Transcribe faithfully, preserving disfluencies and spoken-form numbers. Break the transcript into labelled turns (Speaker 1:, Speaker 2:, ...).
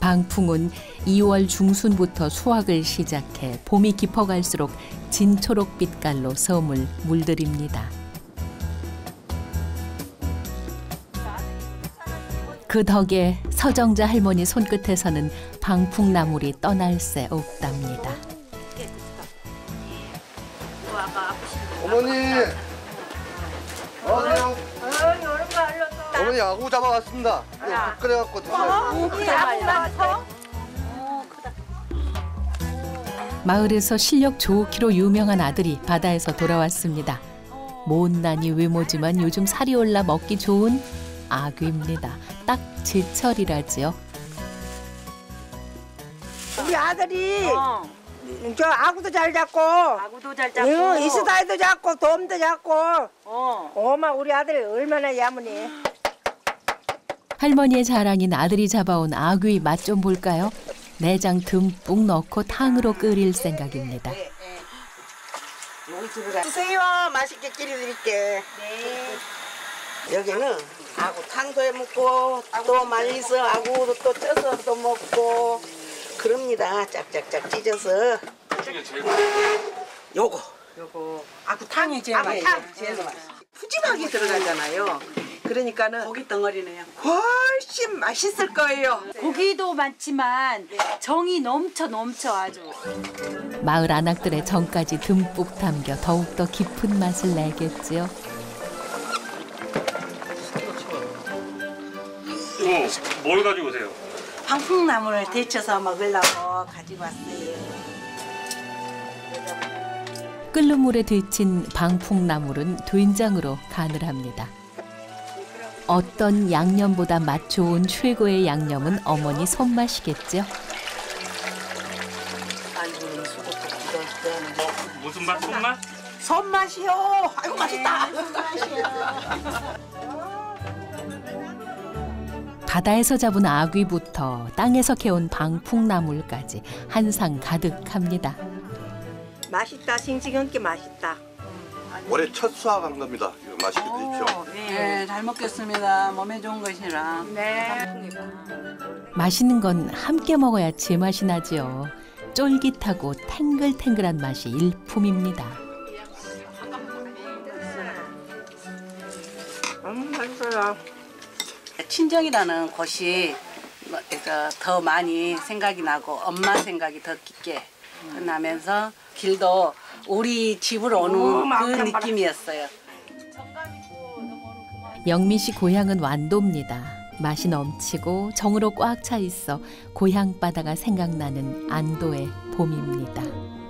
Speaker 1: 방풍은 이월 중순부터 수확을 시작해 봄이 깊어갈수록 진초록 빛깔로 섬을 물들입니다. 그 덕에 서정자 할머니 손끝에서는 방풍나물이 떠날 새 없답니다.
Speaker 2: 어머니! 안녕하세요. 어머니 아구 잡아왔습니다. 밥 끓여갖고 드세요.
Speaker 1: 마을에서 실력 좋기로 유명한 아들이 바다에서 돌아왔습니다. 못난이 외모지만 요즘 살이 올라 먹기 좋은 아귀입니다. 딱 제철이라지요.
Speaker 3: 우리 아들이
Speaker 4: 어.
Speaker 3: 저 아구도 잘 잡고
Speaker 4: 아구도 잘 잡고
Speaker 3: 응, 이스다이도 잡고 돔도 잡고
Speaker 4: 어.
Speaker 3: 어마 우리 아들이 얼마나 야무니.
Speaker 1: 할머니의 자랑인 아들이 잡아온 아귀 맛 좀 볼까요? 내장 듬뿍 넣고 탕으로 끓일 생각입니다.
Speaker 3: 드세요. 맛있게 끓여드릴게. 네. 여기는 아구 탕도 해 먹고 또 말려서 아구도 또 쪄서 또 먹고 그럽니다. 짝짝짝 찢어서.
Speaker 5: 중에 제일
Speaker 3: 요거
Speaker 4: 요거 아구탕이 제일 맛있어요.
Speaker 3: 아구탕 제일 맛있어. 푸짐하게 들어가잖아요. 그러니까는
Speaker 4: 고기 덩어리네요.
Speaker 3: 훨씬 맛있을 거예요.
Speaker 4: 고기도 많지만 정이 넘쳐 넘쳐 아주.
Speaker 1: 마을 아낙들의 정까지 듬뿍 담겨 더욱더 깊은 맛을 내겠지요.
Speaker 5: 이거 뭘 가지고 오세요?
Speaker 4: 방풍나물을 데쳐서 먹으려고 가지고 왔어요.
Speaker 1: 끓는 물에 데친 방풍나물은 된장으로 간을 합니다. 어떤 양념보다 맛 좋은 최고의 양념은 어머니 손맛이겠죠.
Speaker 5: 무슨 맛? 손맛?
Speaker 3: 손맛이요. 아이고 맛있다.
Speaker 1: 바다에서 잡은 아귀부터 땅에서 캐온 방풍나물까지 한 상 가득합니다.
Speaker 3: 맛있다. 싱싱한 게 맛있다.
Speaker 2: 올해 첫 수확한 겁니다. 이거 맛있게 드십시오.
Speaker 6: 네, 잘 먹겠습니다. 몸에 좋은 것이라.
Speaker 4: 네.
Speaker 1: 맛있는 건 함께 먹어야 제맛이 나지요. 쫄깃하고 탱글탱글한 맛이 일품입니다.
Speaker 3: 음 맛있어요.
Speaker 6: 친정이라는 곳이 더 많이 생각이 나고 엄마 생각이 더 깊게 나면서 길도 우리 집으로 오는 그 느낌이었어요.
Speaker 1: 영민 씨 고향은 완도입니다. 맛이 넘치고 정으로 꽉 차 있어 고향 바다가 생각나는 안도의 봄입니다.